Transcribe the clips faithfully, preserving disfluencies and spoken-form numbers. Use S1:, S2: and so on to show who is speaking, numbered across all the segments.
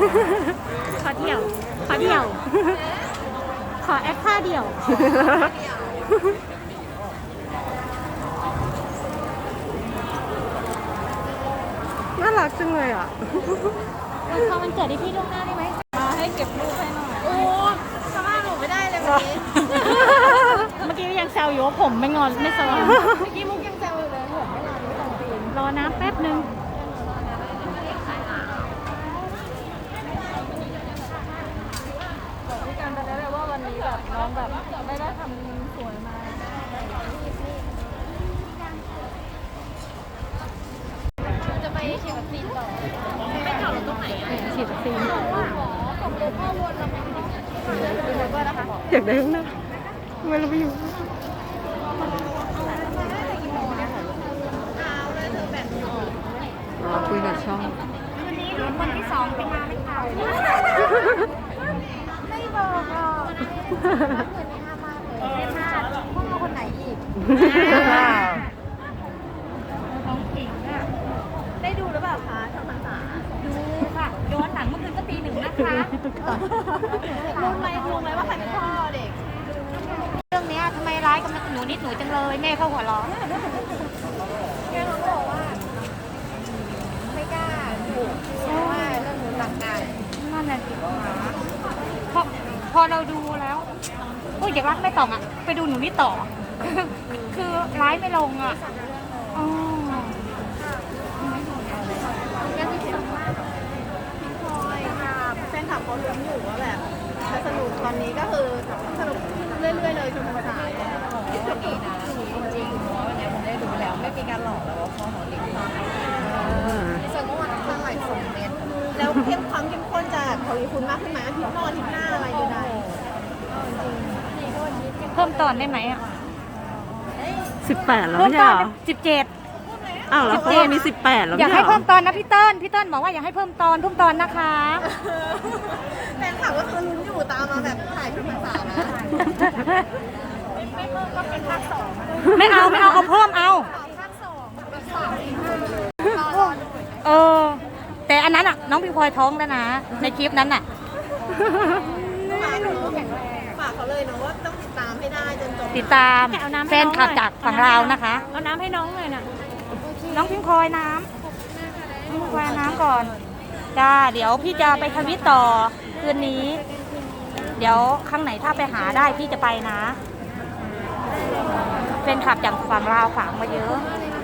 S1: ขอเดี่ยวขอเดี่ยวขอแอคท่าเดี่ยว
S2: น่ารักจังเลยอ่ะ
S1: พอมันเกิดที่พี่ล่วงหน้าได้ไหม
S3: มาให้เก็บรูปให้หน่อยโอ้สภาพหนูไม่ได้เลยวันนี้
S1: เมื่อกี้ยังแซวอยู่ว่าผมไม่งอนไม่สว่าง
S3: เมื่อกี้มุกยังแซวอยู่เลยผมไม่รอดูตอนตีน
S1: รอน้ำแป๊บนึง
S3: บอกพี่กันไปแล้วว่าวันนี้แบบน้องแบบไม่ได้ทำสวยมาจะไปฉีดวัคซีนต่อไปจอดรถตรงไหนอ่ะ
S1: ฉีดวัคซีน
S3: ส่งรถพ่อวนแล้วมันก็นะคะ
S2: อยากได้ข้างหน้าทำไมเราไม่อยู่รอคุยกับช่อง
S1: วันนี้รุ่นคนที่สองไปมาไหมคะ
S3: ไม่บอกหรอกรับเงินห้ามากเลยไม่พลาดพวกเราคนไหนอีก
S1: น้องผิงอ่ะ
S3: ได้ดูหรือเปล่าคะช่องภาษา
S1: ดูค่ะย้อนหลังเมื่อคืนก็ตีหนึ่งนะคะ
S3: รู้ไหมรู้ไหมว่าใครเป็นพ่อเด็ก
S1: เรื่องนี้ทำไมร้ายกับหนูนิดหนูจังเลยแม่เขาหัวเราะ
S3: แกเขาบอกว่าไม่กล้าถูกเพราะว่าเรื่องหนูหลักการ
S1: นั่นแหละสิพอพอเราดูแล้วโอ้ยอยากรักไม่ต่องอ่ะไปดูหนูนี่ต่อคือร้ายไม่ลงอ่ะอ๋อ
S3: ยังมีสองมากพี่พลอยค่ะแฟนคลับเขาลุ้นอยู่ว่าแบบจะสนุกตอนนี้ก็คือสนุกเรื่อยๆเลยชมภาษาคิดว่าดีนะจริงๆเพราะวันนี้ผมได้ดูแล้วไม่มีการหลอกแล้วว่าพ่อของเด็กมากในส่วนเมื่อวานน้ำตาไหลสองเมตรแล้วเข้มความเข้มข้นจะทวีคูณมากขึ้นไหมอาทิตย์นอกอาทิตย์หน้าอะไรอยู่ได้
S1: เพิ่มตอนได้ไหมอ่ะ
S2: สิบแปดแล้ว
S1: เพิ่ม
S2: ไม่ใช่
S1: ตอน
S2: เหรอ
S1: สิบเจ็ด
S2: อ้าวแล้วเขามีสิบแปดแล้ว
S1: อยาก
S2: ไม่
S1: ให้
S2: ใช่เหร
S1: เพิ่
S2: อ
S1: มตอนนะพี่เติ้ลพี่เติ้ลบอกว่าอยากให้เพิ่มตอนเพิ่มตอนนะคะ
S3: แฟนคลับก็คือลุ้นอยู่ตามมาแบบถ่ายชมภาษานะไม่เพิ่มก็เป็นภาคสอง
S1: ไม่เอาไม่เอาเอาเพิ่มเอา
S3: ภาคสอง
S1: เออแต่อันนั้นอ่ะน้องพี่พลอยท้องแล้วนะในคลิปนั้นอ่ะ
S3: ฝากเขาแข็งแรงฝากเขาเลยเนาะว่าต้องติดตามให้ได้จนจบ
S1: ติดตามแฟนคลับจากฝั่งเรานะคะ
S3: เอาน้ำให้น้องเลยน่ะ
S1: น้องพิงพลอยน้ำน้องพิงพลอยน้ำก่อนจ้าเดี๋ยวพี่จะไปทวิตต่อคืนนี้ เดี๋ยวครั้งไหนถ้าไปหาได้พี่จะไปนะแฟนคลับจากฝั่งเราฝากมาเยอะ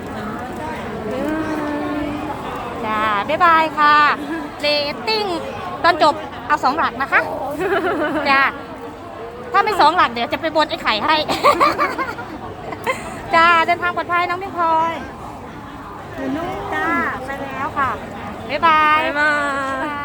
S1: จ้าบ๊ายบายค่ะเรตติ้งตอนจบเอาสองหลักนะคะจ้าถ้าไม่สองหลักเดี๋ยวจะไปบนไอ้ไข่ให้ จ้าเดินทางปลอดภัยน้องพิงพลอยจ้าไปแล้วค่ะบ๊ายบาย
S2: บ๊ายบาย